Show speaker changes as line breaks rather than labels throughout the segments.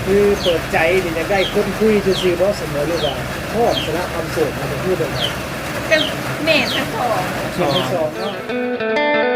คือเปิดใจนี่จะได้คนคุยซื่อๆบ่เสมอหรือว่าชอบสละความโสดมันจะพูดแบบไหน
เป็นแม่ทั้งสอง
ชอบทั้งสองเนาะ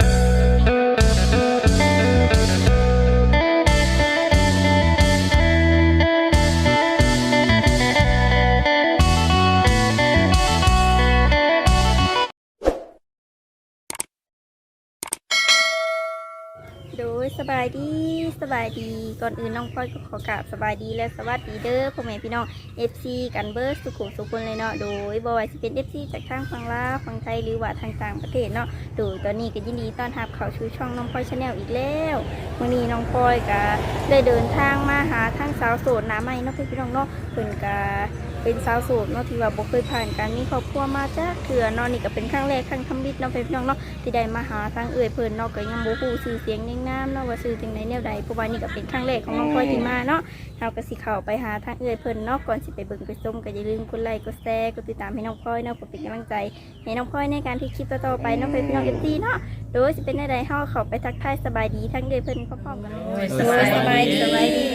โดยสบายดีก่อนอื่นน้องพลอยก็ขอกราบสบายดีและสวัสดีเด้อพ่อแม่พี่น้อง FC กันเบิร์สุขุมสุขคนเลยเนาะโดยบ่ว่าสิเป็น FC จากทางฝั่งลาวฝั่งไทยหรือว่าทางต่างประเทศเนาะโดยตอนนี้ก็ยินดีต้อนรับเข้าสู่ช่องน้องพลอยชาแนลอีกแล้ววันนี้น้องพลอยก็ได้เดินทางมาหาทางสาวโสดหน้าใหม่เนาะพี่น้องเนาะเพิ่นก็เป็นสาวโสดเนาะที่ว่าบ่เคยผ่านการมีครอบครัวมาจ้าเถื่อเนาะนี่ก็เป็นครั้งแรกครั้งทำบิดเนาะพี่น้องเนาะที่ได้มาหาทางเพื่อนเนาะก็ยังบ่ฮู้ชื่อเสียงยังนามเนาะว่าชื่อจังไดแนวใดเพราะว่านี่ก็เป็นครั้งแรกของน้องพลอยที่มาเนาะเฮาก็สิเข้าไปหาทางเพิ่นเนาะก่อนสิไปเบิ่งไปชมก็อย่าลืมกดไลค์กดแชร์กดติดตามให้น้องพลอยเนาะเพื่อเป็นกำลังใจให้น้องพลอยในการที่คลิปต่อๆไปเนาะพี่น้อง FC เนาะโดยสิเป็นจังไดเฮาเข้าไปทักทายสบายดีทั้งเพิ่นพร้อมๆกันเลยสบายดีสบายดี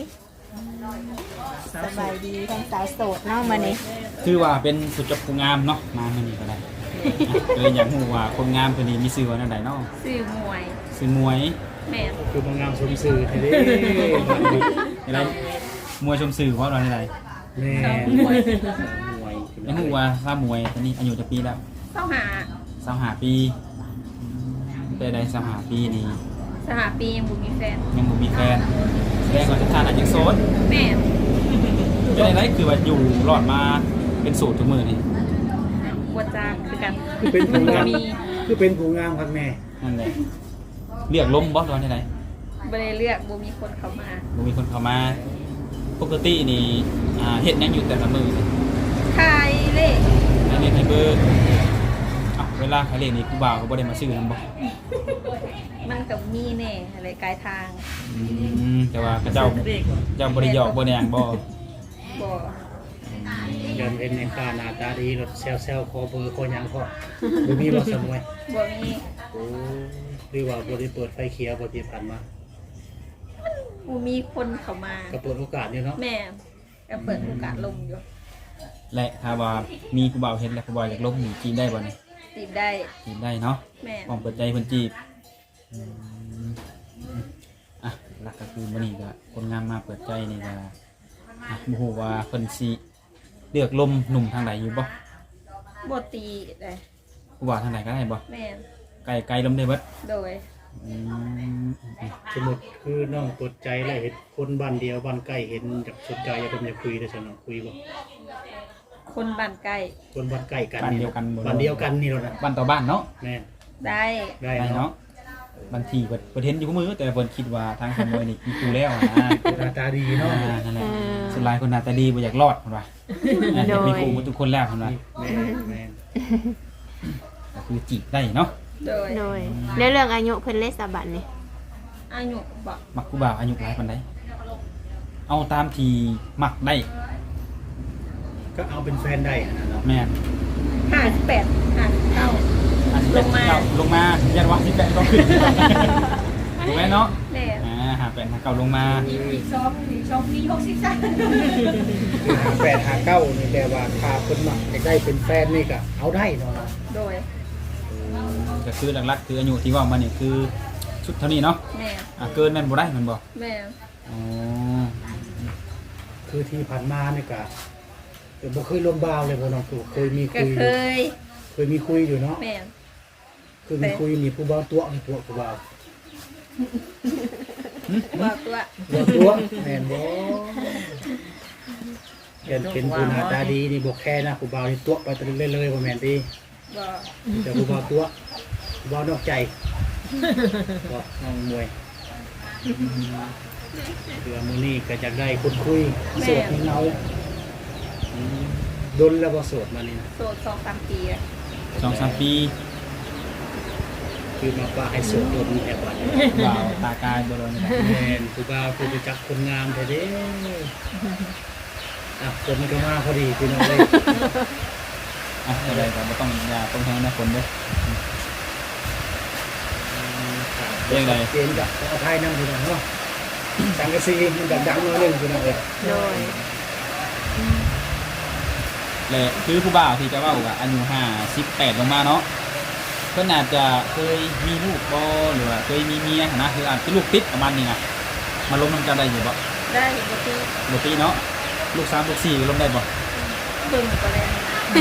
ทั้งสาวโสดเนาะมานี่
คือว่าเป็นสุดจบผู้งามเนาะมาเมื่อนี้ก็ได้เลยอยากรู้ว่าคนงามคนนี้มีชื่อว่าอะไรเนาะ
สื่อมวย
ชื่อมวย
แม่
คือบางงามสมสื่อแท้เด้
อะไรมวยชมสื่อว่าอะไร
แม่
มวยอยากรู้ว่าทราบมวยตอนนี้อายุจะปีแล้ว 25 ปีแต่ได้25 ปีนี่
สหปียังบุมีแฟน
ยังบ่มีแฟนแสดงว่าสถานะยังโสด
แม่
เป็นอะไรคือว่าอยู่รอดมาเป็นสูตรทุกมือนี่
บวจากคือกัน
คือเป็นผู้งาม
มี
คือเป็นผู้งามครับแม่
นั่นแหละเรียกล้มบอสร้อนที่ไหน
บริเลือกบุมีคนเข้ามา
บ่มีคนเข้ามาปกตินี่เฮ็ดหยังอยู่แต่ละมือนี่
ขายเลข
ให้เล่นให้เบอร์เวลาเขาเล่นนี่ครูบ่าวก็บ่ได้มาซื้อนำบ่
มันกับมีแน่อะไรกลายทาง
แต่ว่าเขาเจ้าบ่ได้หยอกบ่ได้หยังบ่
บ่
ยันเป็นในค่าหน้าตาดีรถแซวๆขอเบอร์ขอหยังพอบ่มีบ่สมวย
บ่มี
โอ้หรือว่าบ่ได้เปิดไฟเขียวบ่ที่ผ่านมา
บุมีคนเข้ามา
ก็เปิดโอกาสอยู่เนาะ
แม่ก็เปิดโอกาสลงอยู่
และถ้าว่ามีครูบ่าวเฮ็ดแล้วครูบ่าวอยากลบนี่จีบได้บ่นี่
ติดได้
จีบได้เนาะ
แม่
พร้อมเปิดใจเพิ่นจีบหลักก็คือมื้อนี้ก็คนงามมาเปิดใจนี่ก็บ่ฮู้ว่าเพิ่นสิเลือกลมหนุ่มทางใดอยู่บ่
บ่ตีได้
ครูบ่าวทางใดก็ได้บ่
แม่
ไกลลมได้เบิด
โดย
อืม
สมมุติคือน้องเปิดใจแล้วเห็นคนบ้านเดียวบ้านใกล้เห็นจากสนใจอยากเป็นอยากคุยได้ซั่นเนาะคุยบ่
คนบ้านใกล้
คนบ้านใกล้กัน
บ้าน
นี่
เดียวกันบ่
บ้านเดียวกันนี่แหละนะ
บ้านต่อบ้านเนาะ
แม่
ได้
ได้
ได้
เนาะ
เนาะบางทีเปิดเห็นอยู่กับมือแต่เพิ่นคิดว่าทางขโมยนี่มีครูแล้วนะ
หน้าตาดีเนาะ
นั่นแหละส่วนหลายคนหน้าตาดีบ่อยากรอดเพิ่นว่าอยากมีครูหมดทุกคนแล้วเพิ่นว่า
แม่แม่
ก็คือจีบได้เนาะ
โดย
โดยแล้วเรื่องอายุเพิ่นเลขสาบันนี่
อายุบ่
มักครูบ่าวอายุหลายปานใดเอาตามที่มักได้
ก็เอาเป็นแฟนได้อะนะเนาะ
แม่น
58 59 ลงมา
ลงมายันว่าสิแปดก็ขึ้นถูกไหมเนาะ
แม่
หาแปดหาเก่าลงมา
อีก2ปี63
คือ58 59นี่แต่ว่าถ้าเพิ่นมักอยากได้เป็นแฟนนี่ก็เอาได้เนาะ
โดย
ก็คือหลักๆคืออายุที่ว่ามานี่คือชุดเท่านี้เนาะ
แม่
เกินแม่นบ่ได้แมันบ่
แม่
อ๋อ
คือที่ผ่านมานี่ก็บ่เคยลมบ่าวเลยบ่น้องตู่เคยมี
ก็
คุยอ
เค
ยู่
ย
เคยมีคุยอยู่เนาะ
แม่
คือมีคุยมีผู้บ่าวตัวมีตัวผู้บ่าว
ว่าตัว
ตัวแม่นบ่เป็นผู้หน้าตาดีนี่บ่แค่นะผู้บ่าวนี่ตัวไปตะลึงเลยบ่แม่นติ
บ่
แต่ผู้บ่าวตัวผู้บ่าวนอกใจก็น้องมวยเดือมื้อนี้ก็จะได้คนคุยโสดเงาดนแล้วบ่โสดมานี่นะ
โสด2-3 ปีอะ
2-3 ปี
คือมาป่าให้โสดดนแอบบัดนี้
บ่าวตากายบ่โดนนี่แหละ
แม่นผู้บ่าวคือไปจักคนงามแท้เด้คนมันก็มาพอดีพี่น้องเลย
อะไรก็บ่ต้องอย่าต้องแทงนะคนเด้อ เรื่องใด
เจนกับเอาไทยนั่งพี่น้องเนาะสังกะสีมันแบบดังน้อยหนึงพี่น้องเอ้ย
โดย
และคือผู้บ่าวที่จะว่าว่าอายุ58ลงมาเนาะเพิ่นอาจจะเคยมีลูกบ่หรือว่าเคยมีเมียนะคืออาจจะลูกติดประมาณนี้นะมาล้มนำกันได้อยู่บ่
ได้เห็นบ่พี่
บ่ตีเนาะลูก3ลูก4ล้มได้บ่
เบิ่งก็แล้ว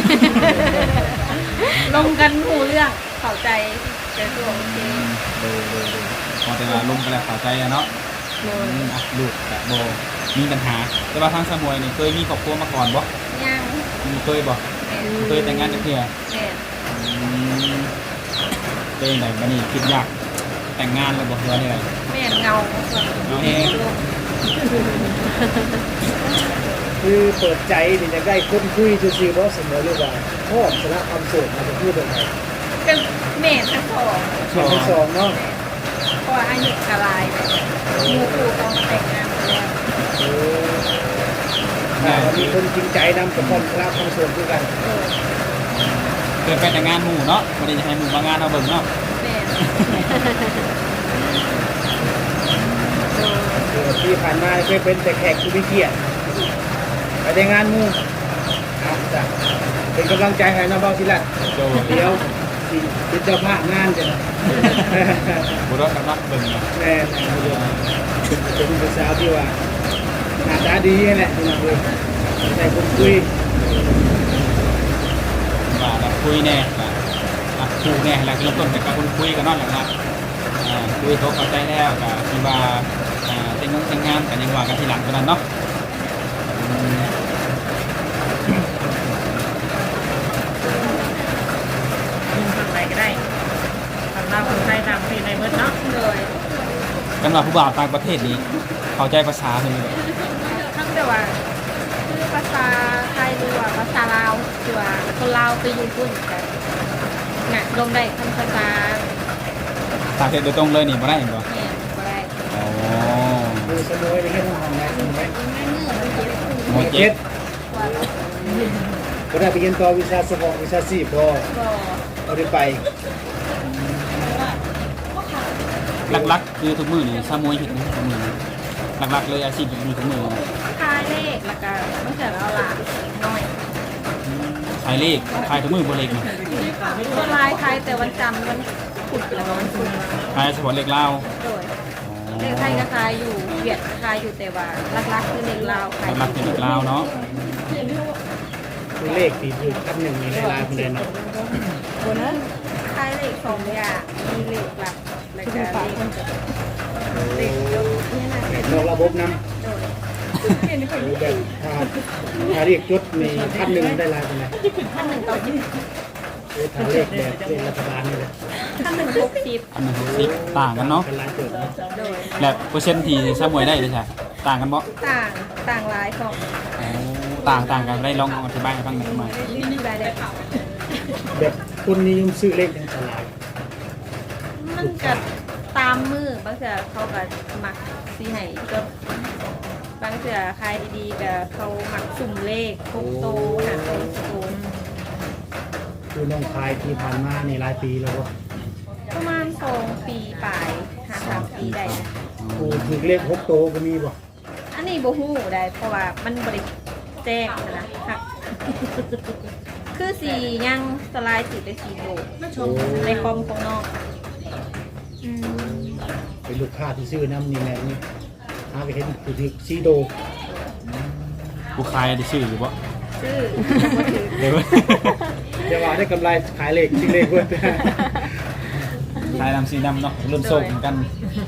ลงกันหูเรื่องเข้าใจแต่ตัวโอเค
ดูพอแต่ว่าล้มกันแล้วเข้าใจอะเนาะ
โดย
อ่ะลูกก็บ่มีปัญหาแต่ว่าทางสมวยนี่เคยมีครอบครัวมาก่อนบ่
ยัง
เคยบ่
แม่น
เคยแต่งงานจักเทื่อ
แม่น
เป็นไหนบัดนี้คิดอยากแต่งงานแล้วบ่เฮือนี่ได
แม่นเงา
เอาเอง
คือเปิดใจนี่จะได้คนคุยซื่อๆบ่เสมอเลยว่าชอบสละความโสดมาจะพูดแบบไหน
เป็นแม่นทั้งสอง
ชอบทั้งสองเนาะ
เพราะว่าอายุกะลายหมู่คู่เขามาแต่งงานไปแล้ว
โอ้ถ้าว่ามีคนจริงใจนำกับความสละความโสดด้วยกัน
เคยไปแต่งงานหมู่เนาะบ่ได้จะให้หมู่มางานเอาเบิ่งเนาะ
แม่น
ที่ผ่านมาเคยเป็นแต่แขกผู้มีเกียรติไปแต่งานหมู่เอาจ้ะเป็นกำลังใจให้น้องเบาทีละ
โจ
เดี๋ยวสิเป็นเจ้าภาพงานจ้ะนะ
บ่รอดกันเนาะเบิ่งเนาะ
แม่เป็นผู้สาวที่ว่าหน้าตาดีแหละที่น้องเลยใส่คนคุย
ว่าแล้วคุยแน่อ่ะคู่แน่แล้วเริ่มต้นจากการคุยกันเนาะหลังคุยเขาเข้าใจแล้วก็คิดว่าแต่งงานกันยังว่ากันทีหลังกันนั้นเนาะ
ทางไหนก็ได้ทางลาวคนไทยต่างประเทศในเบิดเนาะ
โดย
กันว่าผู้บ่าวต่างประเทศนี้เข้าใจภาษาเพิ่นเลย
ทั้งแต่ว่าคือภาษาไทยหรือว่าภาษาลาวคือว่าคนลาวไปอยู่พุ่นกันน่ะลงได้คำภาษา
ต่างประเทศโดยตรงเลยนี่บ่ได้บ่
แม่นบ่ได้
อ๋อ
ดูสมวยในแค่ห้องไหนห้องไหน
หมด
เจ็
เจ็
ด
ด
ว่าเรา
ก็ได้ไปเรียนต่อวิชาสมองวิชาสีพอ
ก็
เอาได้ไป
หลักๆคือทุกมื้อนี่ซามวยเฮ็ดนะทุกมื้อนี่หลักๆเลยอาชีพมีทุกมื้อนี่
ทายเลขแล้วก็ต้องเสียเอาหลานน้อย
ขายเลขขายทุกมื้อบ่เลขนี่
คนลายไทยแต่วันจันทร์วันพุธแล้วก็วันศุกร์
ขายเฉพาะเลขลาว
โดยเลขไทยก็ขายอยู่เวียดก็ขายอยู่แต่ว่าหลักๆคือเลขลาวขาย
หลักๆเป็นเลขลาวเนาะ
คือเลขที่ถูกคันหนึ่งในลายๆไปเลยเนาะ
บนนั้นขายเลขสองอย่างมีเลขหลักแล้วก็เลขยกนี่นะ
นอกระบบน
โดย
ำแบบถ้าเรียกจดมีคันหนึ่งได้ลายไปไหน
ขั้นหนึ่งต่อยี่สิบ
ถ้าเลขแบบเลขรัฐบาลนี่แหละ
ขั้นหนึ่ง60
อันนึง60ต่างกันเนาะ
เป็นลายเกิดเนาะ
โดย
และเปอร์เซ็นต์ที่ซามวยได้เลยใช่ต่างกันบ่
ต่างหลายของ
ต่างกันได้ลองอธิบายให้ฟังหน่อยมา
ได้ได้ค่ะ
แบบคนนิยมซื้อเลขในตลาด
มันก็ตามมือบางเสือเขาก็มักสีให้จดบางเสือขายดีๆก็เขามักสุ่มเลขพกโตหาโตโต
คือน้องคายที่ผ่านมาในหลายปีแล้วก็
ประมาณ2 ปีปลายหา3 ปีได้นะ
กูถูกเลข6โตก็มีบ่
อันนี้บ่ฮู้ได้เพราะว่ามันบ่ได้แจ้งนะค่ะคือสียังสลายสีไปสีโตในคอมของน้อง
เป็นลูกค้าที่ซื้อน้ำนี่แหละนี่หาไปเห็นคือถือซีโด
ผู้ขายได้ชื่ออยู่บ่
ชื่อ
เดี๋ยว
เดี๋ยวว่าได้กำไรขายเลขซื้อเลขเพื่อน
ขายนำสีนำเนาะเริ่มโซ่เหมือนกัน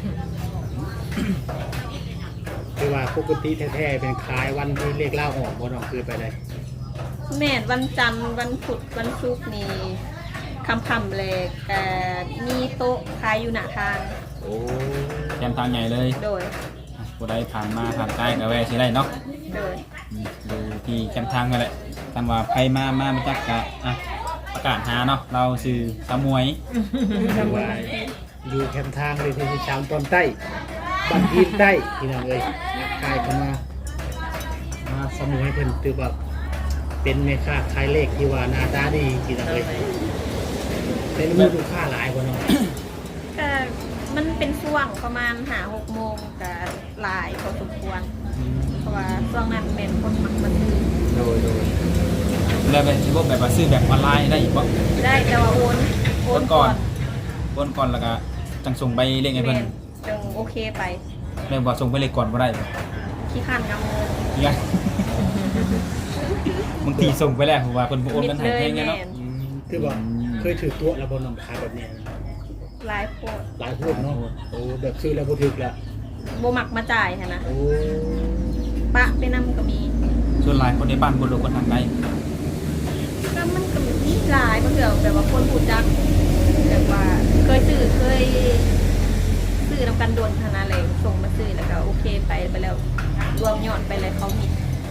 คือว่าปกติแท้ๆเป็นขายวันที่เลขเล่าออกบ่น้องคือไปได้
แม่นวันจันทร์วันพุธวันศุกร์นี่คำๆเลยแต่มีโต๊ะขายอยู่หน้าทาง
โอ้
แกมทางใหญ่เลย
โดย
ผู้ใดผ่านมาผ่านใกล้ก็แวะสิได้เนาะ
โดย
ดูที่แคมทางนั่นแหละคำว่าใครมาไม่จักกะประกาศหาเนาะเราซื้อสามวย
คือว่าอยู่แคมป์ทางเลยที่ชามตอนใต้บ้านพีนใต้ที่น้องเอ้ยขายเข้ามาสมุยเพิ่นตือแบบเป็นแม่ค้าขายเลขที่ว่าหน้าตาดีที่น้องเอ้ยเป็นมือลูกค้าหลายกว่าน้อง
แต่มันเป็นช่วงประมาณ5-6 โมงกับหลายพอสมควรเพราะว่าช่วงนั้นเป็นคนมักมาซื้อ
โดยแล้วเป็นพวกแบบว่าซื้อแบบออนไลน์ได้อีกบ่
ได้แต่ว่าโอนก่อน
โอนก่อนแล้วก็จังส่งไปเลขให้เพิ่น
จึงโอเคไป
แล้วว่าส่งไปเลขก่อนบ่ได้บ่
ขี้ขันกำเงิน
เนี่ยบางทีส่งไปแล้วเพราะว่าเพิ่นบ่โอนกันให้แพงไงเนาะ
คือว่าเคยถือตัวแล้วบนนำพาแบบนี้
หลายโพด
หลายพูดเนาะโอ้แบบซื้อแล้วบ่ถึกละ
โบมักมาจ่ายค่ะนะ
โอ้
ปะไปนำก็มี
ส่วนหลายคนในบ้านบ่รู้คนทางใด
ก็มันก็มีหลายบางเถื่อแบบว่าคนพูดจักแบบว่าเคยซื้อนำกันโดนขนาดเลยส่งมาซื้อแล้วก็โอเคไปแล้วรวมยอดไปเลยเขามี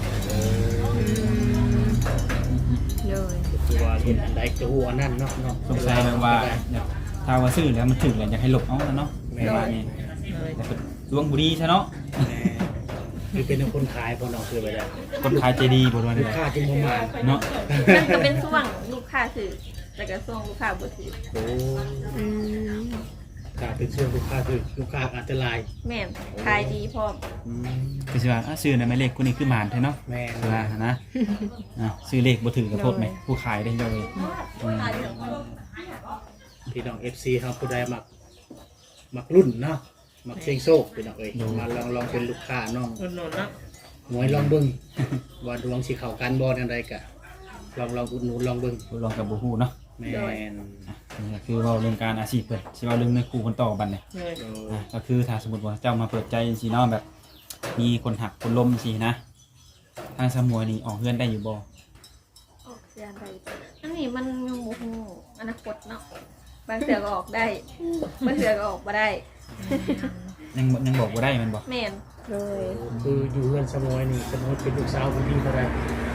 เลย
คือว่าเห็นอันใดจะฮู้อันนั้นเนาะเนาะ
สงสัยแบบว่าเนี่ยถ้าว่าซื้อแล้วมันถึกแล้วอยากให้ลบเอาแล้วเนาะแบบว่านี่แต่เป็นดวงบ่ดีซะเนาะ
คือเป็นคนขายพอเนาะคือไปแล้ว
คนขายใจดีบ่ว่า
ลู
ได้
กค้าจึงบ่มา
เนาะ
มันก็เป็นช่วงลูกค้าซื้อแต่ก็ช่วงลูกค้าบ่ซื้อ
โอ้
อืม
ถ้าเป็นช่วงลูกค้าคือลูกค้าอาจจะลาย
แม่นขายดีพร้อม
ก็สิว่าซื้อในหมายเลขคนนี้คือหมานแท้เนาะ
แม่
คือว่านะซื้อเลขบ่ถือกับโทษไหมผู้ขายได้เจ้าเลยอืม
พี่น้อง FC เฮาผู้ใดมักรุ่นเนาะมักเชียงโชคพี่น้องเอ้ยมาลองเป็นลูกค้าน้อง
อุดหนุนเนาะ
หวยลองเบิ่งว่าดวงสิเข้ากันบ่จังไดก็ลองอุดหนุนลองเบิ่ง
ลองกับบ่ฮู้เนาะ
แม่น
นี่ก็คือเว้าเรื่องการอาชีพเพิ่นสิเว้าเรื่องในครูคนต่อบัดนี้
เลย
ก็คือถ้าสมมุติว่าเจ้ามาเปิดใจจังซี่เนาะแบบมีคนหักคนล้มสินะทางสมวยนี่ออกเฮือนได้อยู่บ่
ออกเสียได้อันนี้มันยังบ่ฮู้อนาคตเนาะบางเถื่อก็ออกได้บางเถื่อก็ออกบ่ได้
ยังบอกบ่ได้แมันบ่
แม่น
เลย
คืออยู่เฮือนสมอยนี่สมมุติเป็นลูกสาวผู้ที่เท่าใด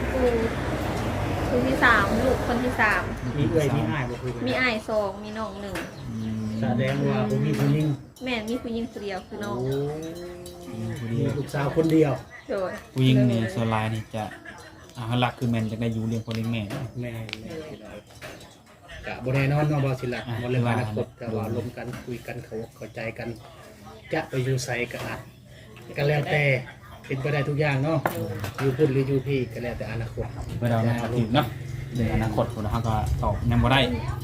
คนที่3ลูกคนที่3
มีเอื้อยมีอ้ายบ่คือ
มีอ้าย2มีน้อง1
แสดงว่าบ่มีผู้หญิง
แม่นมีผู้หญิงคนเดียวคือน้อง
โอ้
ผู้
มี
ดี
ลูกสาวคนเดียว
โดย
ผู้หญิงนี่ส่วนหลายนี่จะหลักคือแม่นจะได้อยู่เลี้ยงพ่อเลี้ยงแม่
แม่กะบ่แน่นอนเนาะบ่สิล่ะบ่เรื่องอนาคตแต่ว่าลมกันคุยกันเข้าใจกัน จะไปอยู่ไสก็อาจก็แล้วแต่เป็นไปได้ทุกอย่างเนาะอยู่พุ่นหรืออยู่พี่ก็แล้วแต่อนาคต
เมื่อเราในอดีตเนาะในอนาคตพวกเราก็ตอบยังบ่ได้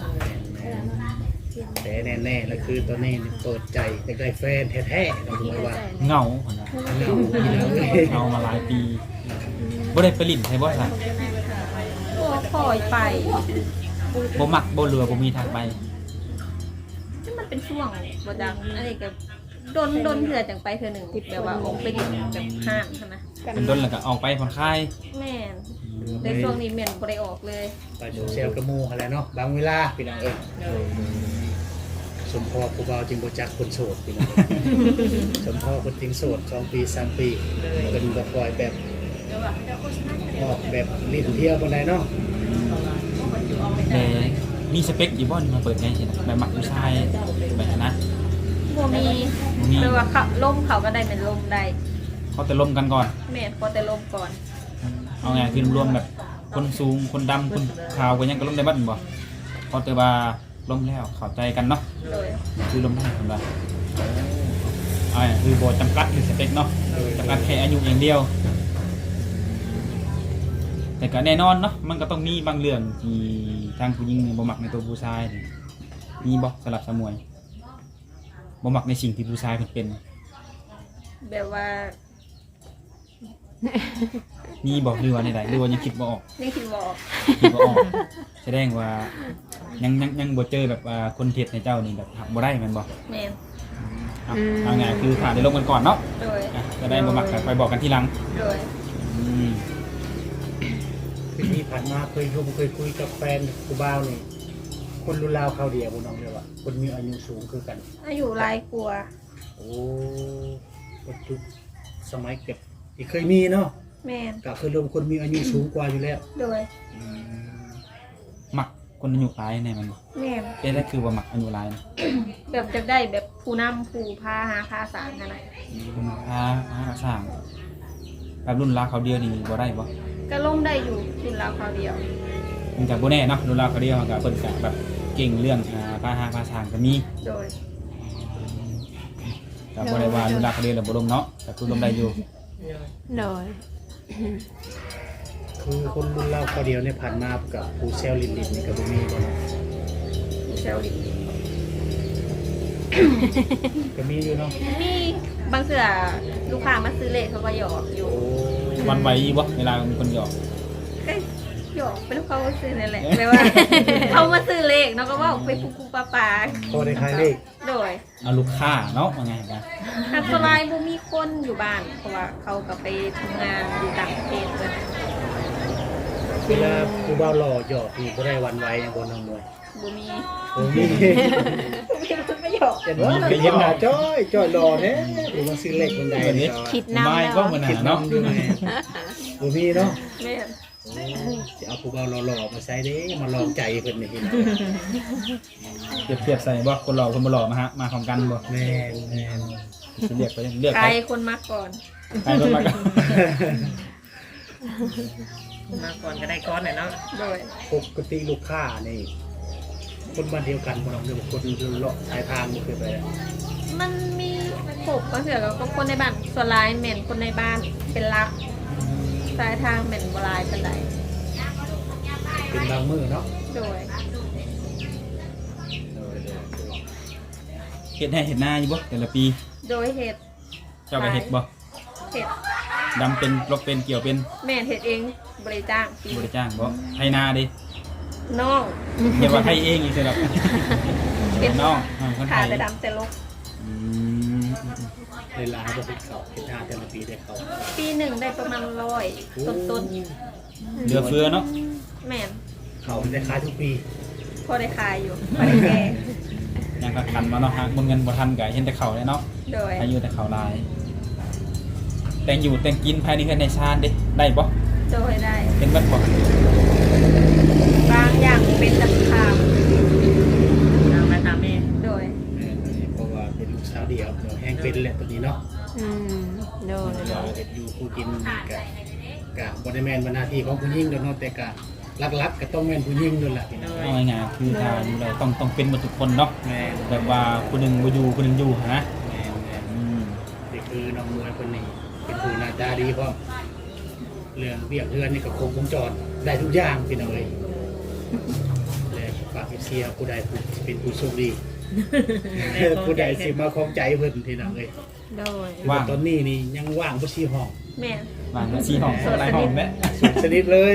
แต่แน่ๆแล้วคือตอนนี้เปิดใจอยากได้แฟนแท้ๆเราดูว่า
เหงาคนละ
เหงาอีแล้วเอ้ย
เหงามาหลายปีบ่ได้ไปลิ้นใช่บ่ซะ
ก็ปล่อยไป
บ่มักบ่เรือบ่มีทางไป
นี่มันเป็นช่วงบ่จังอันนี้ก็โดนเถื่อจังไปเถื่อหนึ่งแบบว่าออกไปดิบแบบห้างนะ
เป็นต้นแล้วก็ออกไปผ่อนคลาย
แม่นในช่วงนี้แม่นบ่ได้ออกเลย
ไปโซเชียลกระมูอะไรเนาะบางเวลาพี่น้องเอ้ยสมพอผู้บ่าวจึงบ่จักคนโสดพี่น้องเอ้ยสมพอคนจริงโสด2 ปี 3 ปีเป็นบ่ปล่อยแบบออกแบบลิ้นเที่ยวบ่ได้เนาะ
แต่มีสเปคอยู่บ่นี่มาเปิดใจสินะแบบมักผู้ชายแบบนั้นนะ
บ่มีแปลว่าเขาล่มเขาก็ได้เป็นล่มได้
เขาแต่ล้มกันก่อน
แม่นพอแต่ล่มก่อน
เอาไงคือรวมแบบคนสูงคนดำคนขาวก็ยังก็ล้มได้บัดบ่เขาแต่ว่าล้มแล้วเข้าใจกันเนาะ
โดย
คือล้มได้คนละคือบ่จำกัดหรือสเปคเนาะจำกัดแค่อายุอย่างเดียว แต่ก็แน่นอนเนาะมันก็ต้องมีบางเรื่องที่ทางผู้หญิงบ่มักในตัวผู้ชายนี่มีบ่สำหรับสมวยบ่มักในสิ่งที่ผู้ชายเพิ่นเป็น
แบบว่า
มีบ่หรือว่าในใดหรือว่ายังคิดบ่ออก
ยังคิดบ่ออก
คิดบ่ออกแสดงว่ายังบ่เจอแบบว่าคนเท็จในเจ้านี่แบบหักบ่ได้แม่นบ่
แม่น
เอาไงคือถ่ายได้ลงกันก่อนเนาะ
โดย
จะได้บ่มักกันไปบอกกันทีหลัง
โดย
อืม
คือที่ผ่านมาเคยคุยกับแฟนผู้บ่าวนี่คนรุ่นราวเขาวเดียวบ่น้องเด้อว่าคนมีอายุสูงคือกัน
อายุหลายกว่า
โอ้ปัจจุสมัยเก็บที่เคยมีเนาะ
แม่น
ก็คือรวมคนมีอายุสูงกว่าอยู่แล้ว
โดย
มักคนอายุหลายแน่มันบ่
แม่น
เอ๊ะนั่นคือว่ามักอายุหลายนะ
แบบจะได้แบบผู้นำผู้พาหาพาสารกันนะ
คนพาสร้างแบบรุ่นราวเขาเดียวนี่บ่ได้บ่
ก็ล่มได้อยู่กินเราคราวเดียว
มันก็บ่แน่เนาะรุ่นราวเขาเดียวมันก็เพิ่นก็แบบเก่งเรื่องพาสร้างก็มี
โดย
กับบ่ได้ว่าอยู่รักเรียนหรือบ่ลมเนาะแต่คือลมได้อยู่
โดย
คือคนรุ่นเราคนเดียวเนี่ยผ่านมากับผู้เซลลินนี่ก็บ่มีบ่เนาะ
เซลล์ดิ
ก็มีอยู่เนาะ
มีบางเสือลูกค้ามาซื้อเลขเขาก็หยอกอยู่
โอ้
วันไหวบ่เวลามีคนหยอก
ก็หยอกเป็นเขาซื้อนั่นแหละแปลว่า เขามาซื้อเลขเนาะก็ว่าไปปูปลา
พอได้ขายเลข
โดย
เอาลูกค้าเนาะว่าไงกัน
อันตรายบ่มีคนอยู่บ้านเพราะว่าเขาก็ไปทำงานอยู่ต่างประเทศเลย
เวลาผู้บ่าวหล่อหยอกนี่บ่ได้หวันไหวอย่างบ่น้องมวย
บ่มี
โอ้มี
มีคนไม่หยอก
เห็นว่าเราเห็นหน้าจ้อยจ้อยหล่อแท้หรือว่าซื้อเลขคนใดนี่ก็
คิดนำ
ไม่
แล้ว
ก็มัน
คิด
เนาะ
นำอยู่แม่บ่มีเนาะ
แม่น
จะเอาผู้บ่าวหล่อๆมาใช้เด้มาลองใจเพิ่นนี่พี่น้อง
เปรียบใส่บ่คนหล่อคนบ่หล่อมาฮะมาพร้อมกันบ่
แม่นแม่น
จะเรียกไปเรียก
ใค
ใค
ร
ร
คนมาก่อน
ใครคนมากัน
มาก่อนก็ได้ก้อนหน่อยเนาะ
โดย
ปกติลูกค้านี่คนบ้านเดียวกันบ่น้องเด้อคนเลาะสายทางบ่เคยไปแล้ว
มันมีครบบางเสือก็คนในบ้านส่วนหลายแม่นคนในบ้านเป็นหลักสายทางแม่นบ่หลายปานใด
เป็นบางมื้อเนาะ
โดย
เฮ็ดให้เฮ็ดหน้าอยู่บ่แต่ละปี
โดยเฮ็ด
เจ้าก็เฮ็ดบ่
เฮ็ด
ดำเป็นลกเป็นเกี่ยวเป็น
แม่นเฮ็ดเองบริจ้างปี
บ่ได้จ้างบ่ให้หน้าดิ
น้อง
เรียกว่าให้เองอีกสำหรับ
เป็น
น้องคนไท
ขาย แต่ดำแต่ลก
อืม
ในร้านบ่ติดเขาเฮ็ดหน้าแต่ละปีได้เขา
ปีหนึ่งได้ประมาณ100ต้น
เหลือเฟือเนาะ
ๆแม่น
เขาได้ขายทุกปี
พอได้ขายอยู่พอได้แก่
ยังก็ทันมาเนาะฮะบนเงินบ่ทันก็เห็นแต่เขาเลยเนาะ
โดย
อายุแต่เขาลาย แต่งอยู่แต่งกินภายในเฮือนในชาติดิได้บ่
โดยได้
เป็นเบิดบ่
บางอย่างเป็นตะขาม
ตามไปตามนี่
โดย
เพราะว่าเป็นลูกสาวเดียวเดี๋ยวแห้งเป็นแหละตัวนี้เนาะ
อืมโดยโด
เรา
ย
เฮ็ดอยู่ผู้กินนี่ก็บ่ได้แม่นว่าหน้าที่ของผู้หญิงดอกเนาะแต่ก็หลักๆก็ต้องแม่นผู้หญิงนั่นแหละพี่น้อง
เอาง่ายๆคือถ้าอยู่ได้ต้องเป็นหมดทุกคนเนาะ
แม่น
แบบว่าคนหนึงบ่อยู่คนหนึงอยู่ฮะ
แม่นแม่น
อืม
นี่คือน้องมวยคนนี้เป็นผู้หน้าตาดีพร้อมเรื่องเบียกเรือนนี่ก็ครบวงจรได้ทุกอย่างพี่น้องเอ้ยและฝาก FC ผู้ใดผู้สิเป็นผู้โชคดี ผู้ใดสิมาของใจเพิ่นพี่น้องเอ้ย
โดย
ว่าง
ตอนนี้นี่ยังว่างบ่ชีห้อง
แม่น
ว่าง4ห้องหลายห้องแม่
สุดสนิทเลย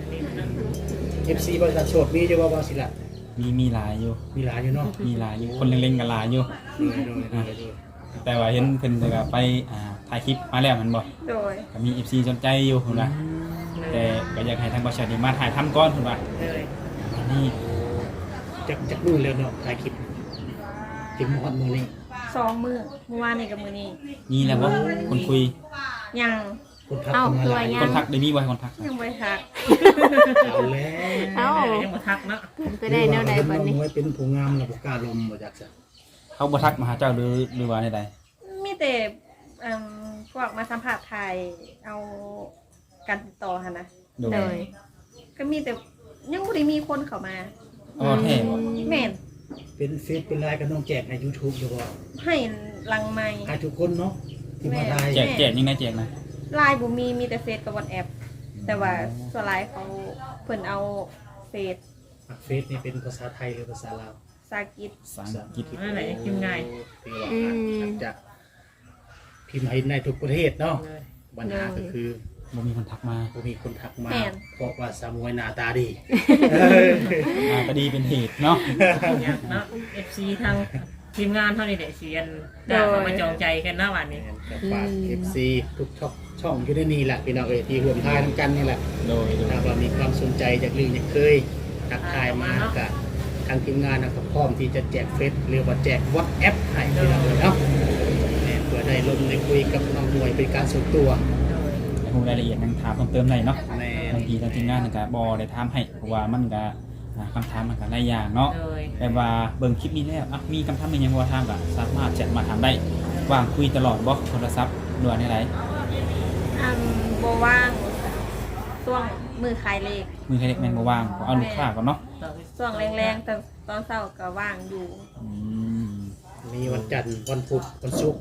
FC บริษัทโสดมีอยู่บ่สิล่ะ
มีหลายอยู่
มีหลายอยู่เนาะ
มีหลายอยู่คนเล็งๆกันหลายอยู่
โดย
แต่ว่าเห็นเพิ่นก็ไปถ่ายคลิปมาแล้วมันบ่
โดย
ก็มี FC สนใจอยู่พุ่นว่าแต่ก็อยากให้ทางบริษัทนี่มาถ่ายทำก่อนพุ่นว่า
เลย
นี่
จากนู่นแล้วเนาะถ่ายคลิปถึงฮอดมื้อนี้
2 มื้อเมื่อวานนี่กับมื้อนี้
นี่แหละบ่คนคุย
ยัง
คนทักเข้ามาหลาย
คนทักได้มีบ่ให้คนทัก
ยังบ่ได้ทัก
เอาแล้ว
เอ้า
ยังมาทักเนาะ
ไปได้แนวใดบัดนี้
น้องมวยเป็นผู้งามแล้วบ่กล้าลมบ่จักซะ
เขาบ่ทักมาหาเจ้าหรือว่าใด
มีแต่พวกมาสัมภาษณ์ไทยเอาการติดต่อหั่นนะ
ๆโด
โด
ย
ย
ก็มีแต่ยังบ่ได้มีคนเข้ามา
อ๋อแท้บ่
แม่น
เป็นเฟซเป็นไลน์ก็ต้องแจกใน YouTube อยู่บ่
ให้ลังไม้
ให้ทุกคนเนาะที่มาถ่าย
แจกยังไงแจกนะ
ไลน์บ่มีแต่เฟซกับวอทแอปแต่ว่าส่วนไลน์เขาเพิ่นเอาเฟซ
เฟซนี่เป็นภาษาไทยหรือภาษาลาว
ภาษาอังกฤษ
ภาษาอังกฤษ
นั่นแหละกินง่าย
ที่ว่าอาจจะพิมพ์ให้ในทุกประเทศเนาะ
เลย
ปัญหาก็คือ
บ่มีคนทักมา
บ่มีคนทักมาเพราะว่าสามวยหน้าตาดี
ก็ดีเป็นเหตุเนาะ
เนี่ยเนาะ FC ทางทีมงานเท่านี้แหละเสียนมาจองใจกันนะวันนี้
ก็ฝาก FC ทุกช่องอยู่ในนี่แหละพี่น้องเอ้ยที่ร่วมทายกันนี่แหละ
โดย
ถ้าว่ามีความสนใจจากลืออยากเคยทักทายมากับทางทีมงานนะครับพร้อมที่จะแจกเฟซหรือว่าแจก WhatsApp ให้พี่น้องเลยเนาะเพื่อได้ลงได้คุยกับน้องมวยเป็นการส่วนตัว
ให้รู้รายละเอียดยังถามเพิ่มเติมได้เนาะ
แม่
บางทีทางทีมงานก็บ่ได้ถามให้เพราะว่ามันก็คำถามมันก็หลายอย่างเนาะ
เลย
แต่ว่าเบิ่งคลิปนี้แล้วมีคำถามยังบ่ถามก็สามารถแชทมาถามได้ว่างคุยตลอดบ่โทรศัพท์ด่วนได้
บ่ว่างช่วงมือขายเลข
มือใครเล็กแม่นบ่ว่างเอาลูกค้าก่อนเนาะ
ช่วงแรงๆแต่ตอนเช้าก็ว่างอยู่
อืม
มีวันจันทร์วันพุธวันศุกร์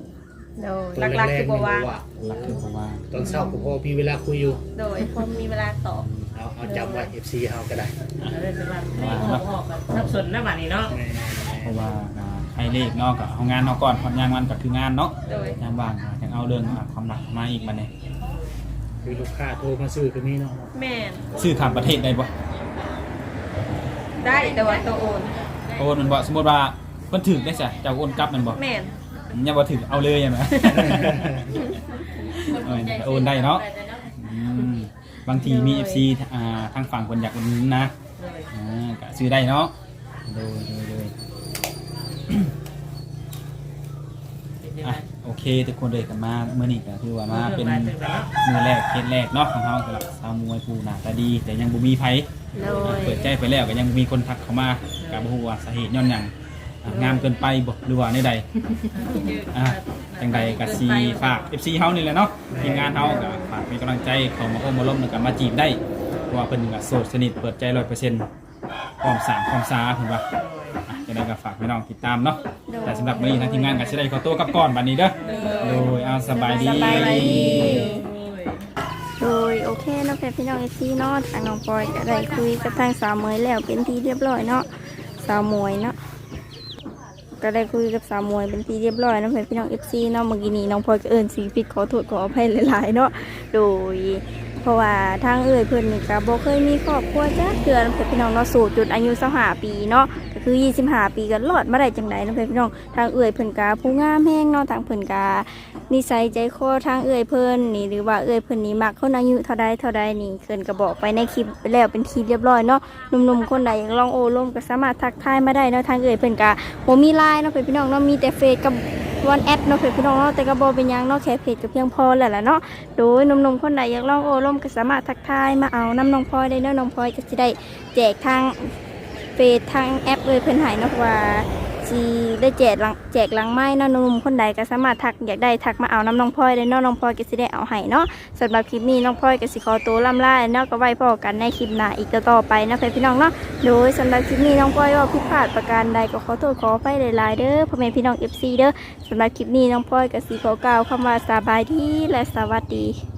โดย
ตอน
หลักๆ
แร
คื
ก
อ
ๆ
บ่
นี่
ว่า
ว่า
หลักคือผมว่า
ตอนเช้าก็พอมีเวลาคุยอยู่
โดยพอมีเวลาตอบ
เอาจำไว้ FC เฮาก็ได้
แล้วเลยจะว่าออกกันสับสนนะบัดนี้เนาะ
เพราะว่าให้เลขเนาะกับเอางานเนาะก่อนพอนยางมันก็คืองานเนาะ
โดย
ยางว่างยังเอาเรื่องความรักมาอีกบัดนี้
คือลูกค้าโทรมาซื้อก็มีเนาะ
แม่น
ซื้อข้ามประเทศได้บ่
ได้แต่ว่าตัวโอน
โอนมันบ่สมมุติว่าเพิ่นถึกได้ซะเจ้าโอนกลับมันบ่
แม่น
ยังบ่ถึกเอาเลยใช่ไหม โอนได้เนาะบางทีมี FC ทางฝั่งคนอยากอุดหนุนนะก็ซื้อได้เนาะโดยอ่ะโอเคทุกคนเลยกันมาเมื่อนี้ก็คือว่ามาเป็นมือแรกเคสแรกเนาะของเฮาสำหรับสาวมวยผู้หน้าตาดี แต่ยังบ่มีไผ
โดย
เปิดใจไปแล้วก็ยังมีคนทักเข้ามาก็บ่ฮู้ว่าสาเหตุย้อนหยังงามเกินไปบ่หรือว่าในใดจังใดก็สิฝาก FC เฮานี่แหละเนาะทีมงานเฮาก็ฝากเป็นกำลังใจเข้ามาโอ้มาล้มแล้วก็มาจีบได้เพราะว่าเพิ่นก็โสดสนิทเปิดใจ 100%พร้อมสร้างความสาเพิ่นว่าจังได๋ก็ฝากพี่น้องติดตามเนาะแต่สำหรับมื้อนี้ทางทีมงานก็สิได้ขอตัวกลับก่อนบัดนี้เด้อโดยเอาสบายดี
สบายดี โดยโอเคเนาะพี่น้องFCเนาะทางน้องปอยก็ได้คุยกับทางสาวเมยแล้วเป็นที่เรียบร้อยเนาะสาวมวยเนาะก็ได้คุยกับสาวมวยเป็นที่เรียบร้อยเนาะพี่น้อง FC เนาะเมื่อกี้นี้น้องพลอยก็เอิ้นสีผิดขอโทษขออภัยหลายๆเนาะโดยเพราะว่าทางเพิ่นนี่ก็บ่เคยมีครอบครัวจ้าเดือนพี่น้องเนาะสู่จุดอายุ25ปีเนาะก็คือ25ปีก็รอดมาได้จังไดเนาะพี่น้องทางเพิ่นก็ผู้งามแฮงเนาะทางเพิ่นก็นิสัยใจคอทางเพิ่นนี่หรือว่าเพิ่นนี่มักคนอายุเท่าใดนี่เพิ่นก็บอกไปในคลิปไปแล้วเป็นทีเรียบร้อยเนาะหนุ่มๆคนใดอยากลองโอ้ร่มก็สามารถทักทายมาได้เนาะทางเพิ่นก็บ่มี LINE เนาะพี่น้องเนาะมีแต่เฟซกับวันแอดเนาะพี่น้องเนาะแต่ก็บ่เป็นหยังเนาะแค่เพจก็เพียงพอแล้วล่ะเนาะโดยหนุ่มๆคนใดอยากลองโอ้ร่มก็สามารถทักทายมาเอาน้ำน้องพลอยได้เนาะน้องพลอยก็สิได้แจกทางเฟซทางแอปเพิ่นให้เนาะว่าสิได้แจกหลังไม้เนาะหนุ่มคนใดก็สามารถทักอยากได้ทักมาเอาน้ำน้องพลอยได้เนาะน้องพลอยก็สิได้เอาให้เนาะสำหรับคลิปนี้น้องพลอยก็สิขอตัวล่ำลาเนาะก็ไว้พอกันในคลิปหน้าอีกต่อไปนะพี่น้องเนาะโดยสำหรับคลิปนี้น้องพลอยว่าผิดพลาดประการใดก็ขอโทษขออภัยหลายๆเด้อพ่อแม่พี่น้อง FC เด้อสำหรับคลิปนี้น้องพลอยก็สิขอกล่าวคำว่าสบายดีและสวัสดี